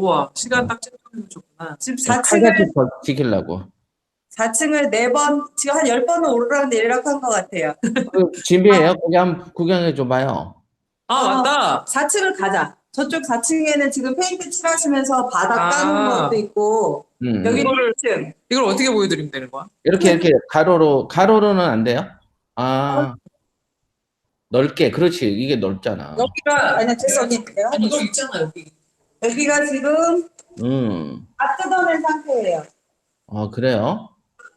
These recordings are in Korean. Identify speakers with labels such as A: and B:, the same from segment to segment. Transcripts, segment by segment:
A: 우와, 시간 딱 찍어주면 좋구나.
B: 지금
C: 칼같이
B: 4층을
C: 지키려고.
B: 4층을 4번 지금 한 10번은 오르락 내리락 한 것 같아요.
C: 그 집이에요? 거기 한번 구경해 줘봐요.
A: 아, 맞다.
B: 4층을 가자. 저쪽 4층에는 지금 페인트 칠하시면서 바닥 까는 것도 있고 여기
A: 이거를-
B: 1층.
A: 이걸 어떻게 보여드리면 되는 거야?
C: 이렇게 가로로는 안 돼요? 아, 넓게. 그렇지. 이게 넓잖아.
A: 여기가
B: 아니야 됐어 언니. 내가
A: 아니 이거 있잖아 여기.
B: 여기가 지금
C: 음.
B: 다 뜯어낸 상태예요.
C: 아, 그래요?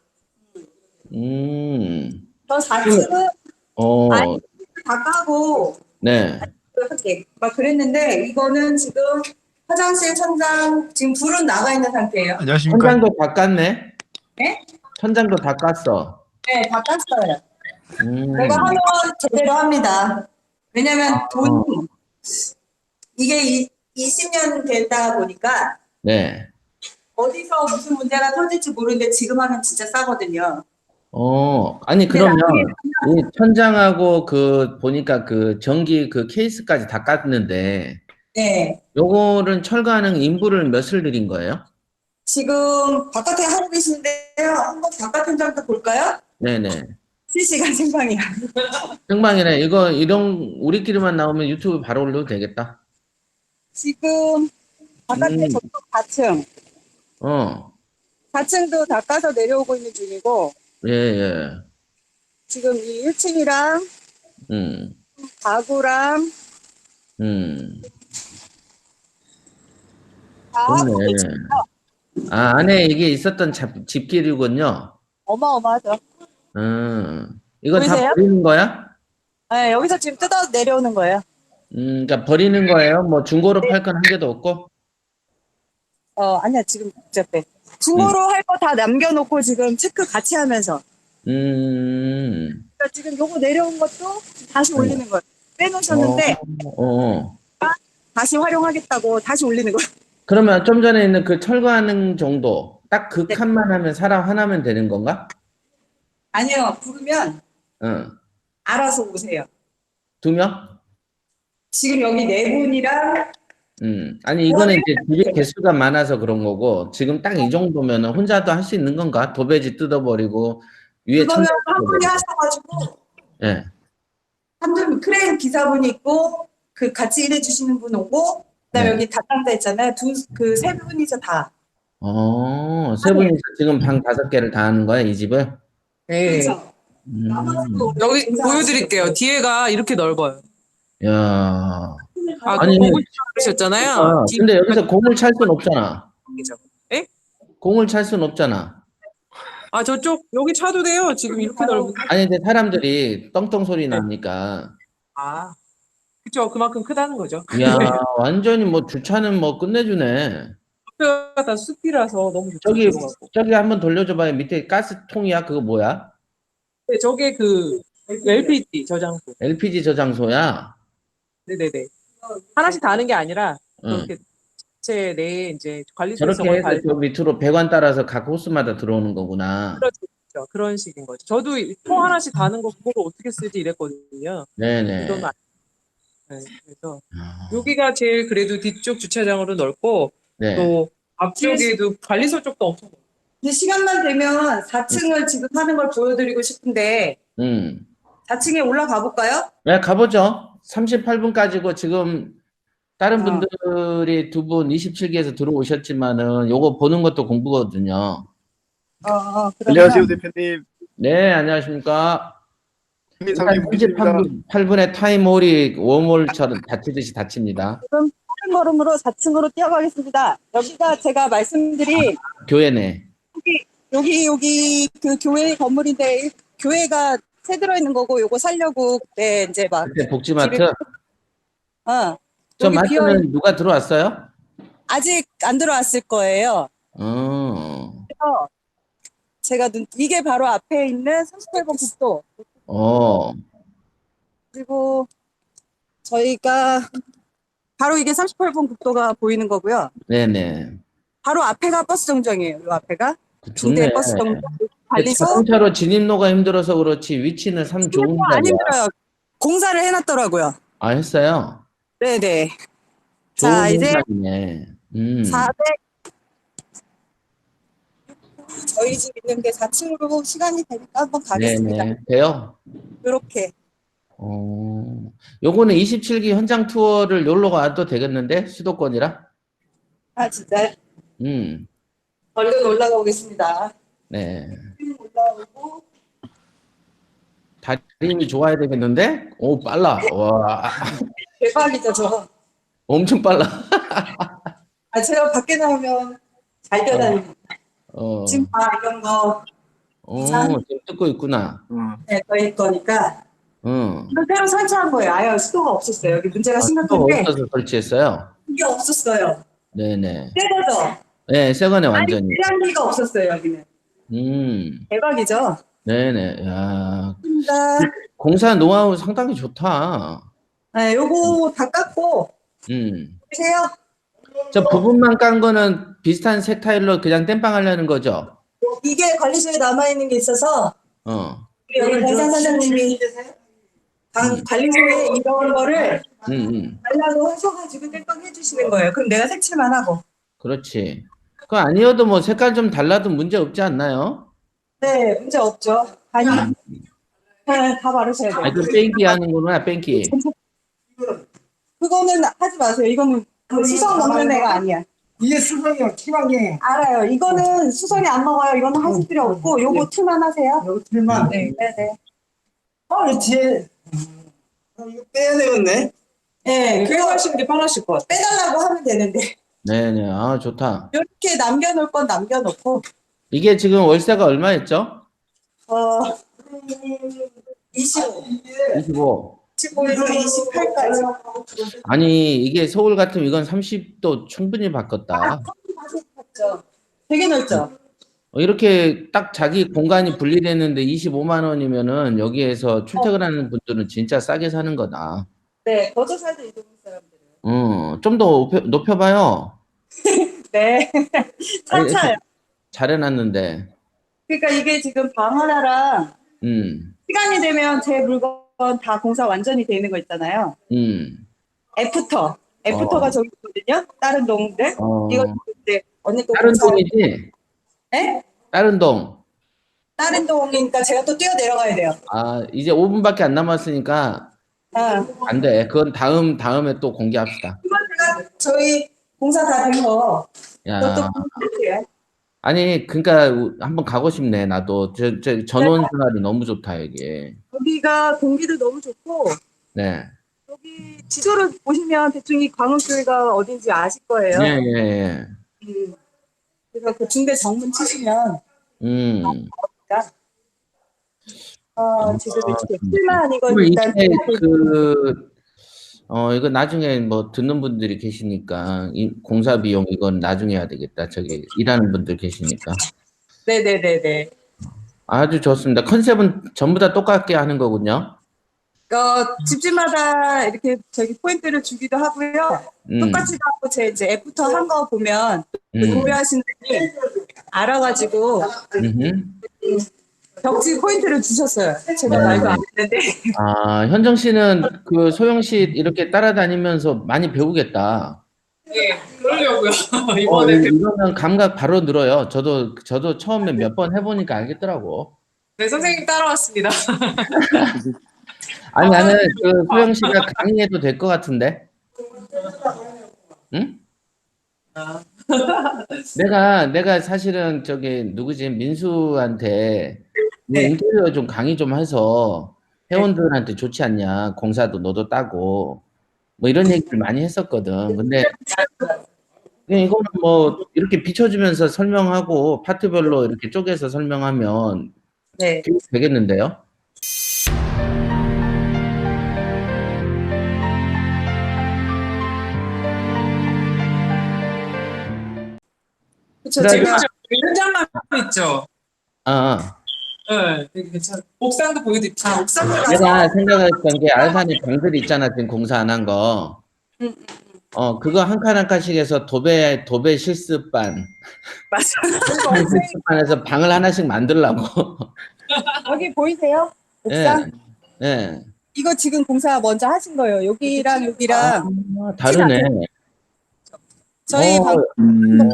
B: 저 4층은
C: 어,
B: 다 까고
C: 네.
B: 할게. 막 그랬는데 이거는 지금 화장실 천장 지금 불은 나가 있는 상태예요.
D: 안녕하십니까.
C: 천장도 다 깠네?
B: 네?
C: 천장도 다 깠어.
B: 네, 다 깠어요. 내가 하면 제대로 합니다. 왜냐면 돈이 이게 20년 되다 보니까
C: 네.
B: 어디서 무슨 문제가 터질지 모르는데 지금 하면 진짜 싸거든요.
C: 아니,
B: 근데
C: 그러면
B: 나중에
C: 이 천장하고 보니까 케이스까지 다 깠는데,
B: 네.
C: 요거는 철거하는 인부를 몇을 들인 거예요?
B: 지금 바깥에 하고 계신데요. 한번 바깥 현장도 볼까요?
C: 네네.
B: 실시간 생방이야.
C: 생방이네. 우리끼리만 나오면 유튜브 바로 올려도 되겠다.
B: 지금 바깥에 저쪽 4층. 4층도 다 까서 내려오고 있는 중이고
C: 예.
B: 지금 이 1층이랑 가구랑 다 하고
C: 좋네.
B: 계십니다.
C: 아, 안에 이게 있었던 집길이군요.
B: 어마어마하죠.
C: 이거 다
B: 보이세요?
C: 버리는 거야?
B: 네, 여기서 지금 뜯어 내려오는 거예요.
C: 그러니까 버리는 거예요? 뭐 중고로 팔 건 한 개도 없고?
B: 아니야, 지금 복잡해. 중고로 할 거 다 남겨놓고 지금 체크 같이 하면서. 그러니까 지금 요거 내려온 것도 다시 올리는 거예요. 빼놓으셨는데 다시 활용하겠다고 다시 올리는 거예요.
C: 그러면 좀 전에 있는 그 철거하는 정도, 딱 그 칸만 하면 사람 하나면 되는 건가?
B: 아니요, 부르면 알아서 오세요.
C: 2명?
B: 지금 여기 4분이랑
C: 아니, 이거는 이제 집이 개수가 많아서 그런 거고, 지금 딱 이 정도면 혼자도 할 수 있는 건가? 도배지 뜯어버리고, 위에
B: 그거는
C: 천장
B: 한 분이
C: 뜯어버리고.
B: 하셔가지고
C: 예.
B: 한 분 크레인 기사분이 있고 그 같이 일해주시는 분 오고 그다음에
C: 네.
B: 여기 담당자 있잖아요. 세 분이서 다.
C: 세 분이서 지금 방 5개를 다 하는 거야, 이 집을?
A: 네.
B: 그렇죠. 나머지도
A: 여기
B: 우리
A: 보여드릴게요. 뒤에가 이렇게 넓어요.
C: 야.
A: 아,
C: 아니,
A: 공을 그러셨잖아요.
C: 근데 여기서 공을 찰 순 없잖아.
A: 예?
C: 공을 찰 순 없잖아.
A: 아, 저쪽 여기 차도 돼요. 지금 이렇게 넓은데.
C: 아니, 근데 사람들이 떵떵 소리 나니까.
A: 아, 그쵸. 그만큼 크다는 거죠.
C: 이야, 완전히 뭐 주차는 뭐 끝내주네.
A: 옆에가 다 숲이라서 너무 좋죠.
C: 저기 한번 돌려줘봐요. 밑에 가스통이야? 그거 뭐야?
A: 네, 저게 그 LPG 저장소.
C: LPG 저장소야?
A: 네네네. 하나씩 다 하는 게 아니라
C: 응.
A: 그렇게 제 내에 이제 관리소
C: 저렇게 해서 저 밑으로 배관 따라서 각 호스마다 들어오는 거구나.
A: 그렇죠. 그런 식인 거죠. 저도 통 하나씩 다는 거 그걸 어떻게 쓰지 이랬거든요.
C: 네네.
A: 이건 네, 그래서 여기가 제일 그래도 뒤쪽 주차장으로 넓고
C: 네.
A: 또 앞쪽에도 관리소 쪽도 엄청 넓고.
B: 근데 시간만 되면 4층을 지금 하는 걸 보여드리고 싶은데 4층에 올라가 볼까요?
C: 네, 가보죠. 38분까지고 지금 다른 분들이 2분 27기에서 들어오셨지만은 요거 보는 것도 공부거든요.
D: 안녕하세요, 대표님.
C: 네, 안녕하십니까.
D: 상님 보겠습니다.
C: 38분의 타임홀이 웜홀처럼 다치듯이 다칩니다.
B: 지금 빠른 걸음으로 4층으로 뛰어가겠습니다. 여기가 제가 말씀드린
C: 교회네.
B: 여기 그 교회 건물인데 교회가 새 들어있는 거고 요거 살려고 그때 이제 막
C: 그때 복지마트. 저
B: 여기
C: 마트는 누가 들어왔어요?
B: 아직 안 들어왔을 거예요.
C: 어.
B: 그래서 제가 이게 바로 앞에 있는 38번 국도 그리고 저희가 바로 이게 38번 국도가 보이는 거고요.
C: 네네.
B: 바로 앞에가 버스 정정이에요. 요 앞에가
C: 좋네.
B: 중대 버스 정정 관리소.
C: 자동차로 진입로가 힘들어서 그렇지 위치는 참 좋은
B: 안
C: 자리야.
B: 힘들어요. 공사를 해놨더라고요.
C: 아, 했어요?
B: 네네.
C: 좋은
B: 자 이제
C: 공간이네.
B: 400 저희 집 있는데 4층으로 시간이 되니까 한번 가겠습니다.
C: 네네. 돼요?
B: 이렇게.
C: 요거는 27기 현장 투어를 놀러 가도 되겠는데? 수도권이라?
B: 아 진짜요?
C: 음,
B: 얼른 올라가 보겠습니다.
C: 네.
B: 올라오고
C: 다리 힘이 좋아야 되겠는데? 오, 빨라. 와,
B: 대박이죠 저.
C: 엄청 빨라.
B: 아 제가 밖에 나오면 잘 뛰어다니고 지금 이런 거
C: 지금 듣고 있구나.
B: 네, 저희 거니까 이거 새로 설치한 거예요. 아예 수도가 없었어요. 여기 문제가
C: 수도가
B: 심각한데
C: 없어서 설치했어요?
B: 이게 없었어요.
C: 네네.
B: 새 거죠?
C: 네, 새 거네, 완전히.
B: 아니 계량기가 없었어요 여기는. 대박이죠?
C: 네네. 야,
B: 감사합니다.
C: 공사 노하우 상당히 좋다.
B: 네, 요거 다 깎고 보세요.
C: 저 부분만 깐 거는 비슷한 색 타일로 그냥 땜빵 하려는 거죠?
B: 이게 관리소에 남아있는 게 있어서
C: 어.
B: 우리 여기 공사 사장님이 관리소에 이런 거를 달라고 하셔가지고 땜빵 해주시는 거예요. 그럼 내가 색칠만 하고.
C: 그렇지. 그거 아니어도 뭐 색깔 좀 달라도 문제 없지 않나요?
B: 네, 문제 없죠. 아니, 네, 다 바르셔야 돼요.
C: 아, 그 뺑기 하는 거구나, 뺑기.
B: 그거는 하지 마세요. 이거는 그 수성 먹는 애가 아니야.
E: 이게 수성이요, 티막이.
B: 알아요. 이거는 수성이 안 먹어요. 이거는 하실 필요 없고, 요거 틀만 하세요.
E: 여기 틀만.
B: 네, 네, 네.
E: 이 뒤에. 이거 빼야 되겠네.
B: 네,
A: 그거 하시는 게 편하실 것 같아요.
B: 빼달라고 하면 되는데.
C: 네네. 아, 좋다.
B: 이렇게 남겨놓을 건 남겨놓고,
C: 이게 지금 월세가 얼마였죠?
B: 25,
C: 25.
B: 25에서 28까지.
C: 아니, 이게 서울 같으면 이건 30도 충분히 바꿨다.
B: 맞죠? 되게 넓죠?
C: 이렇게 딱 자기 공간이 분리됐는데 25만 원이면은 여기에서 출퇴근하는 분들은 진짜 싸게 사는 거다.
B: 네, 거저 살도 이 동네 사람들은.
C: 좀 더 높여봐요.
B: 네. 차차요.
C: 잘해놨는데.
B: 그러니까 이게 지금 방 하나랑 시간이 되면 제 물건 다 공사 완전히 돼 있는 거 있잖아요. 애프터가 저기 있거든요. 다른 동들. 이거 이제 언니 또
C: 다른
B: 공사-
C: 동이지?
B: 네?
C: 다른 동.
B: 다른 동이니까 제가 또 뛰어 내려가야 돼요.
C: 아, 이제 5분밖에 안 남았으니까 안 돼. 그건 다음에 또 공개합시다.
B: 이건 제가 저희 공사 다 된 거.
C: 야.
B: 그것도 공개할게요.
C: 아니, 그러니까 한번 가고 싶네. 나도 저 전원 생활이 너무 좋다 이게.
B: 여기가 공기도 너무 좋고
C: 네.
B: 여기 지도를 보시면 대충 이 광흥교회가 어딘지 아실 거예요.
C: 예, 예, 예.
B: 그래서 그 중대 정문 치시면 지금 이렇게 필만 이건
C: 그러면
B: 일단
C: 이게 이거 나중에 뭐 듣는 분들이 계시니까 이 공사 비용 이건 나중에 해야 되겠다. 저기 일하는 분들 계시니까.
B: 네네네네.
C: 아주 좋습니다. 컨셉은 전부 다 똑같게 하는 거군요.
B: 집집마다 이렇게 저기 포인트를 주기도 하고요. 똑같이 하고 제 이제 애프터 한 거 보면 구매하시는 분이 알아가지고 벽지 포인트를 주셨어요. 제가 말도 안 했는데.
C: 아, 현정 씨는 그 소영 씨 이렇게 따라다니면서 많이 배우겠다.
A: 예, 그러려고요. 이번에
C: 이러면 감각 바로 늘어요. 저도 처음에 몇 번 해보니까 알겠더라고.
A: 네, 선생님 따라왔습니다.
C: 아니, 나는 그 소영 씨가 강의해도 될 것 같은데? 응? 내가 사실은 저기 누구지? 민수한테 뭐 인테리어 좀 강의 좀 해서 회원들한테 좋지 않냐? 공사도 너도 따고 뭐 이런 얘기를 많이 했었거든. 근데 이거는 뭐 이렇게 비춰주면서 설명하고 파트별로 이렇게 쪼개서 설명하면 되겠는데요?
B: 그쵸,
C: 그래,
B: 제가
A: 현장만 있죠. 네, 되게 괜찮아. 옥상도 보여드릴게요. 옥상도
C: 내가 생각했던 게 알산에 방들이 있잖아. 지금 공사 안 한 거. 그거 한 칸 한 칸씩 해서 도배 실습반.
B: 맞아요.
C: 실습반에서 방을 하나씩 만들라고.
B: 여기 보이세요? 옥상?
C: 네.
B: 이거 지금 공사 먼저 하신 거예요. 여기랑 여기랑
C: 다르네.
B: 저희
C: 어,
B: 방
C: 음,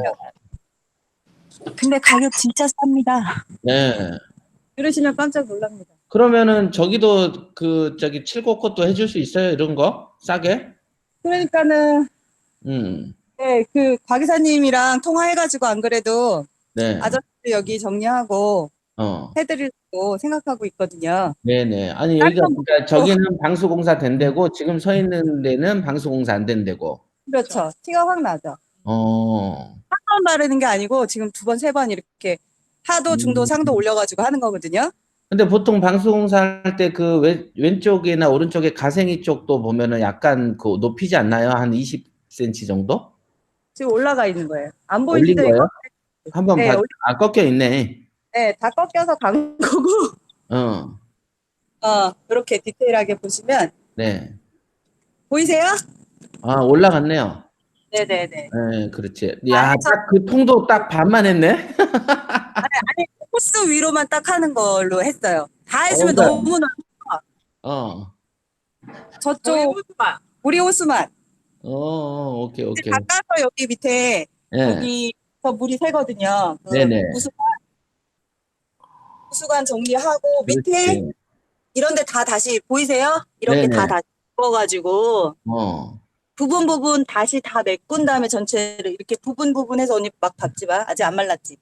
B: 근데 가격 진짜 쌉니다.
C: 네.
B: 들으시면 깜짝 놀랍니다.
C: 그러면은 저기도 그 저기 칠곡꽃도 해줄 수 있어요? 이런 거 싸게?
B: 그러니까는
C: 음,
B: 네, 그 과기사님이랑 통화해가지고 안 그래도
C: 네.
B: 아저씨 여기 정리하고
C: 어,
B: 해드리려고 생각하고 있거든요.
C: 네네. 아니
B: 딴
C: 여기가
B: 건
C: 그러니까
B: 모르고
C: 저기는 방수공사 된대고 지금 서 있는 데는 방수공사 안 된대고.
B: 그렇죠. 티가 확 나죠.
C: 어,
B: 한 번 바르는 게 아니고 지금 두 번, 세 번 이렇게 하도, 중도,
C: 음.
B: 상도 올려가지고 하는 거거든요.
C: 근데 보통 방수공사 할 때 그 왼쪽이나 오른쪽에 가생이 쪽도 보면은 약간 그 높이지 않나요? 한 20cm 정도?
B: 지금 올라가 있는 거예요. 안
C: 올린
B: 보이시죠, 이거?
C: 거예요? 한번
B: 네,
C: 봐. 아, 꺾여 있네.
B: 네, 다 꺾여서 간 거고,
C: 어,
B: 이렇게 디테일하게 보시면,
C: 네.
B: 보이세요?
C: 아, 올라갔네요.
B: 네네네.
C: 네, 그렇지.
B: 아,
C: 야,
B: 해서,
C: 딱 그 통도 딱 반만 했네.
B: 아니, 코스 위로만 딱 하는 걸로 했어요. 다 해주면
C: 그러니까,
B: 너무나,
C: 어,
B: 저쪽, 우리 호수만.
C: 오케이,
B: 이제
C: 오케이.
B: 닦아서 여기 밑에,
C: 예,
B: 여기서 물이 새거든요. 그,
C: 네네.
B: 호수관 정리하고, 밑에,
C: 그렇지.
B: 이런 데 다 다시, 보이세요? 이렇게
C: 네네.
B: 다 다시 묶어가지고,
C: 어,
B: 부분 다시 다 메꾼 다음에 전체를 이렇게 부분해서 언니 막 밟지 마. 아직 안 말랐지.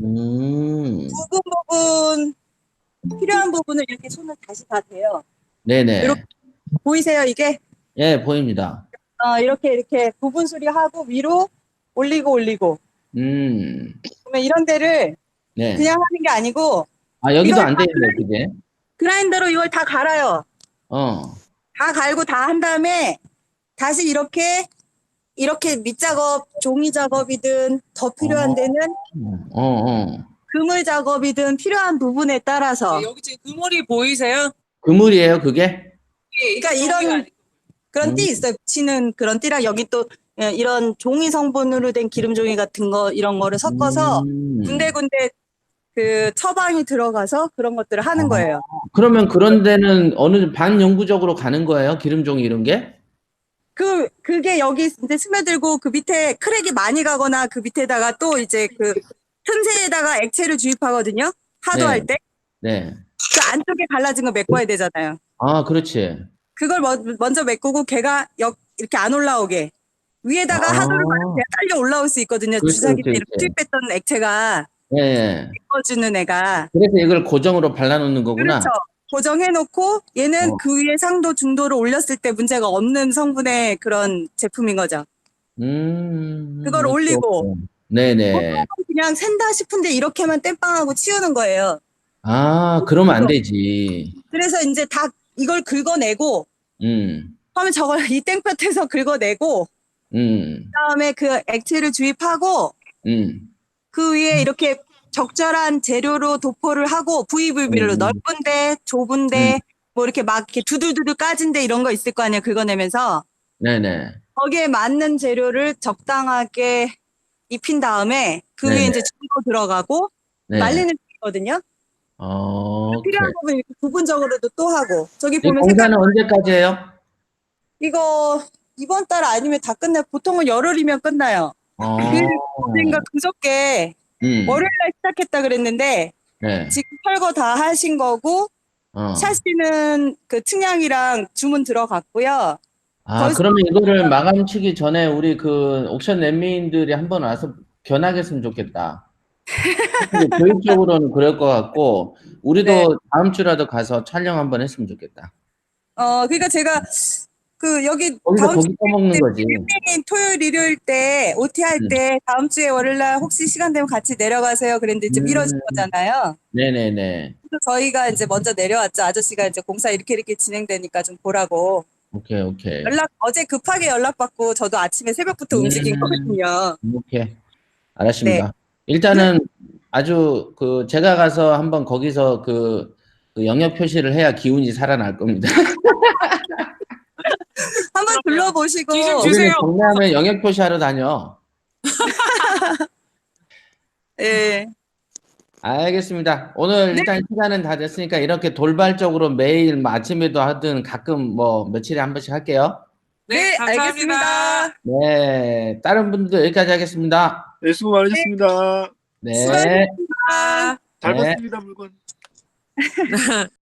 C: 음,
B: 부분 필요한 부분을 이렇게 손을 다시 다 대요. 이렇게
C: 네네.
B: 보이세요 이게?
C: 예, 보입니다.
B: 이렇게 부분 수리하고 위로 올리고
C: 음,
B: 그러면 이런 데를
C: 네.
B: 그냥 하는 게 아니고
C: 아, 여기도
B: 이걸
C: 안 돼 있네, 그게.
B: 그라인더로 이걸 다 갈아요.
C: 어,
B: 다 갈고 다 한 다음에 다시 이렇게 밑작업, 종이 작업이든 더 필요한 데는
C: 어, 어.
B: 그물 작업이든 필요한 부분에 따라서
A: 여기 지금 그물이 보이세요?
C: 그물이에요, 그게?
B: 그러니까 이런 그런 띠
C: 음,
B: 있어요. 붙이는 그런 띠랑 여기 또 이런 종이 성분으로 된 기름 종이 같은 거 이런 거를 섞어서
C: 음.
B: 군데군데 그 처방이 들어가서 그런 것들을 하는 거예요.
C: 그러면 그런 데는 어느 반영구적으로 가는 거예요? 기름종이 이런 게?
B: 그게 여기 이제 스며들고 그 밑에 크랙이 많이 가거나 그 밑에다가 또 이제 그 틈새에다가 액체를 주입하거든요. 하도할
C: 네,
B: 때.
C: 네.
B: 그 안쪽에 갈라진 거 메꿔야 되잖아요.
C: 아, 그렇지.
B: 그걸 먼저 메꾸고 걔가 이렇게 안 올라오게. 위에다가 하도를
C: 아,
B: 받으면 걔가 딸려 올라올 수 있거든요.
C: 그렇지,
B: 주사기 때
C: 그렇지,
B: 이렇게
C: 그렇지.
B: 투입했던 액체가
C: 예, 예.
B: 메꿔주는 애가.
C: 그래서 이걸 고정으로 발라놓는 거구나.
B: 그렇죠. 고정해놓고 얘는
C: 어,
B: 그 위에 상도 중도를 올렸을 때 문제가 없는 성분의 그런 제품인 거죠. 그걸
C: 오케이,
B: 올리고
C: 오케이. 네네.
B: 보통은 그냥 샌다 싶은데 이렇게만 땜빵하고 치우는 거예요.
C: 아, 그러면 안 되지.
B: 그래서 이제 다 이걸 긁어내고
C: 음,
B: 처음에 저걸 이 땡볕에서 긁어내고
C: 음,
B: 그다음에 그 액체를 주입하고
C: 음,
B: 그 위에 이렇게 적절한 재료로 도포를 하고 부위별로
C: 음,
B: 넓은데
C: 음.
B: 좁은데 뭐 이렇게 막 이렇게 두들두들 까진데 이런 거 있을 거 아니에요. 긁어내면서
C: 네네.
B: 거기에 맞는 재료를 적당하게 입힌 다음에 그 위에
C: 네네.
B: 이제 중도 들어가고
C: 네.
B: 말리는 거든요. 필요한
C: 오케이.
B: 부분 이렇게 부분적으로도 또 하고 저기
C: 이
B: 보면 색깔
C: 공사는 언제까지 해요?
B: 이거 이번 달 아니면 다 끝나 보통은 열흘이면 끝나요. 그
C: 어,
B: 어젠가 그저께 월요일 날 시작했다 그랬는데
C: 네.
B: 지금 철거 다 하신 거고
C: 어.
B: 샤시는 그 측량이랑 주문 들어갔고요.
C: 아,
B: 벌써
C: 그러면 이거를 마감 치기 전에 우리 그 옥션 랜민들이 한번 와서 견학했으면 좋겠다. 근데 교육적으로는 그럴 것 같고,
B: 네.
C: 우리도 다음 주라도 가서 촬영 한번 했으면 좋겠다.
B: 그러니까 제가 그 여기
C: 거기서
B: 다음
C: 고기 떠먹는
B: 주에
C: 거지.
B: 빌딩 토요일 일요일 때 OT 할
C: 음,
B: 때 다음 주에 월요일 날 혹시 시간 되면 같이 내려가세요. 그랬는데 이제 미뤄진
C: 음,
B: 거잖아요.
C: 네네네.
B: 그래서 저희가 이제 먼저 내려왔죠. 아저씨가 이제 공사 이렇게 진행되니까 좀 보라고.
C: 오케이, 오케이.
B: 어제 급하게 연락받고 저도 아침에 새벽부터 움직인
C: 음,
B: 거거든요.
C: 오케이.
B: 네.
C: 알았습니다. 일단은 아주 그 제가 가서 한번 거기서 그 영역 표시를 해야 기운이 살아날 겁니다.
B: 한번 둘러보시고
A: 뒤좀
C: 우리는
A: 주세요.
C: 경매하면 영역 표시하러 다녀.
B: 예.
C: 알겠습니다. 오늘
B: 네.
C: 일단 시간은 다 됐으니까 이렇게 돌발적으로 매일 뭐 아침에도 하든 가끔 뭐 며칠에 한 번씩 할게요.
B: 네,
A: 감사합니다.
B: 알겠습니다.
C: 네, 다른 분들도 여기까지 하겠습니다.
D: 네, 수고 많으셨습니다.
C: 네.
B: 수고하셨습니다.
D: 잘
C: 네.
D: 봤습니다, 물건.